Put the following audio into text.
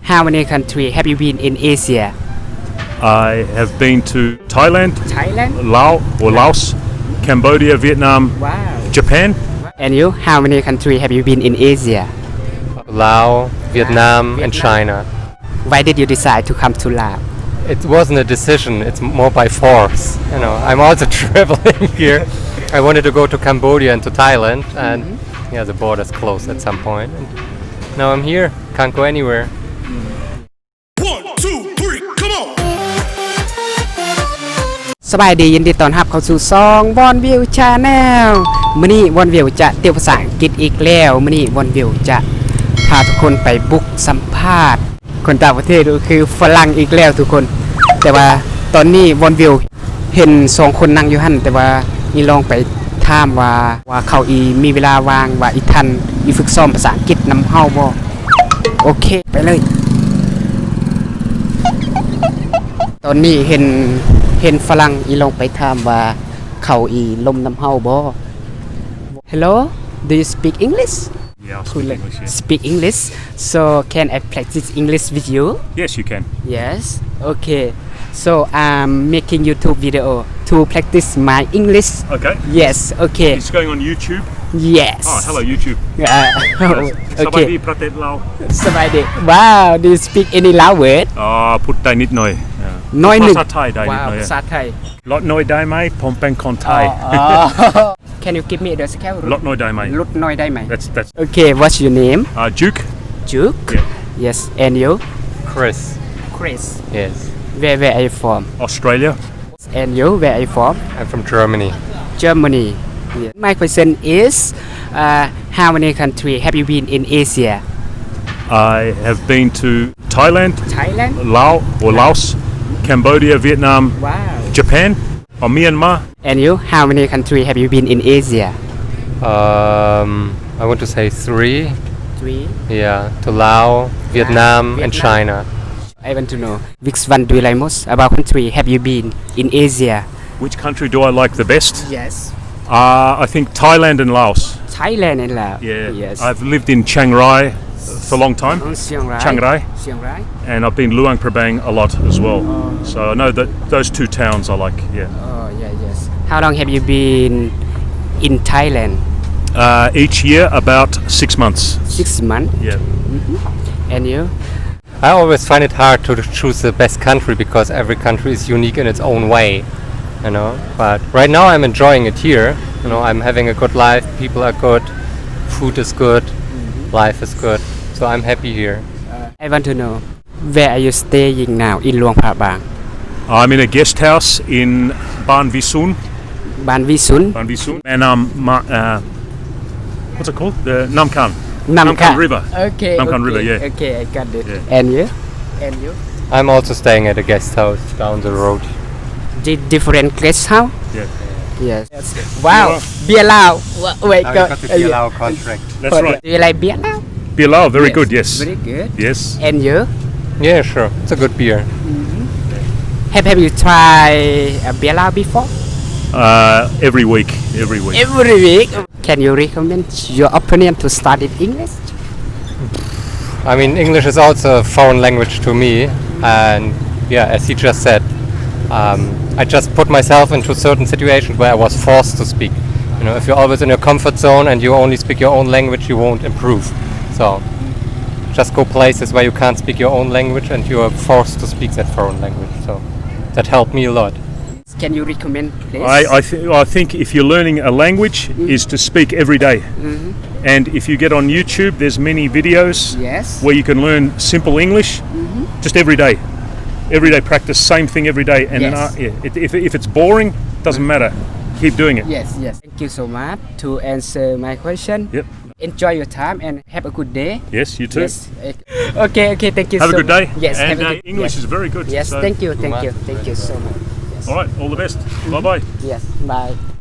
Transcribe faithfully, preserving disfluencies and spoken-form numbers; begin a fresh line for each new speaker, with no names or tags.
how many countries have you been in Asia?
I have been to Thailand,
Thailand.
Laos or Laos, Cambodia, Vietnam,
Wow.
Japan.
And you, how many countries have you been in Asia?
Laos, Vietnam, and
Vietnam.
China.
Why did you decide to come to Laos?
It wasn't a decision, it's more by force. You know, I'm also traveling here. I wanted to go to Cambodia and to Thailand, and
Mm-hmm.
yeah, the borders closed at some point. And now I'm here, can't go anywhere.
One, two, three, come on!
สบายดียินดีต้อนรับเข้าสู่ซองวอนวิวชาแนลมื้อนี้วอนวิวจะเตียวภาษาอังกฤษอีกแล้วมื้อนี้วอนวิวจะพาทุกคนไปบุกสัมภาษณ์คนต่างประเทศก็คือฝรั่งอีกแล้วทุกคน แต่ว่าตอนนี้วอนวิวเห็นสองคนนั่งอยู่หั่นแต่ว่านี่ลองไปถามว่าว่าเขาอีมีเวลาว่างว่าอีทันอีฝึกซ้อมภาษาอังกฤษนำเฮาบ่โอเคไปเลยตอนนี้เห็นเห็นฝรั่งอีลงไปถามว่าเขาอีลมน้ำเฮาบ่ Hello do you speak English
Yeah, I'll speak English. Yeah.
speak English so can I practice English with you
Yes, you can.
yes okay so I'm making YouTube video to practice my English
Okay.
yes okay
It's going on YouTube.
yes
Oh, hello YouTube.
uh, okay
Sabadi pratet lao.
สบายดี wow do you speak any Lao word
Ah, put dai nit noi.
น้อยหนึ่ง
ภาษาไทยได้นิดหน่อย
ภาษาไทย
Lot noi dai mai, pom pen kon Thai.
Can you give me the scale
Lot noi dai mai.
ลดน้อยได้ไหม
That's that's.
Okay what's your name
Uh, Duke.
Duke
Yeah.
yes and you
Chris,
Chris
yes,
where where are you from
Australia.
and you where are you from
I'm from Germany.
Germany yeah. My question is uh, how many countries have you been in Asia
I have been to Thailand,
Thailand
Laos or Laos, Cambodia, Vietnam,
wow
Japan, or Myanmar.
and you how many countries have you been in Asia
Um, I want to say three.
three
Yeah, to Laos, Vietnam, and
Vietnam.
China.
I want to know which one do you like most about country have you been in Asia
Which country do I like the best?
yes
Uh, I think Thailand and Laos.
Thailand and Laos
Yeah.
yes
I've lived in Chiang Rai for a long time,
Oh, Chiang Rai
Chiang Rai.
Chiang Rai
and I've been Luang Prabang a lot as well. So I know that those two towns I like. Yeah.
oh yeah yes how long have you been in Thailand
Uh, each year about six months.
six months
Yeah.
and you
I always find it hard to choose the best country because every country is unique in its own way, you know. But right now I'm enjoying it here. You know, I'm having a good life. People are good. Food is good. Life is good. So I'm happy here.
I want to know where are you staying now in Luang Prabang
I'm in a guest house in Ban Visun.
Ban Visun
Ban Visun. And um, ma- uh, what's it called? The Namkan.
Namkan
River.
okay
Namkan
okay,
River, yeah.
okay I got it
Yeah.
and you and you
I'm also staying at a guest house down the road.
Di- different guest house
Yeah.
yes wow beer Lao Wa- wait
Now
go-
you got the
uh, yeah.
Lao contract.
That's right.
do you like beer Lao
Bilal, very
Yes,
good. Yes.
very good
Yes.
and you
Yeah, sure. It's a good beer.
have have you tried a beer Lao before
Uh, every week. Every week.
every week can you recommend your opinion to study English
I mean, English is also a foreign language to me, and yeah, as he just said, um, I just put myself into certain situations where I was forced to speak. You know, if you're always in your comfort zone and you only speak your own language, you won't improve. So, just go places where you can't speak your own language and you are forced to speak that foreign language. So, that helped me a lot.
can you recommend place
I I, th- I think if you're learning a language, is to speak every day. And if you get on YouTube, there's many videos
yes
where you can learn simple English, just every day. Every day practice, same thing every day. And then,
Yes.
uh, yeah, it, if, if it's boring, doesn't matter. Keep doing it.
yes yes thank you so much to answer my question
Yep.
enjoy your time and have a good day
Yes, you too.
yes okay okay thank you
Have
so
a good day.
much. yes
And
have a
uh,
good
English
yes.
is very good.
yes
so-
thank you thank
much.
you thank you so much yes
All right, all the best. Bye bye.
yes bye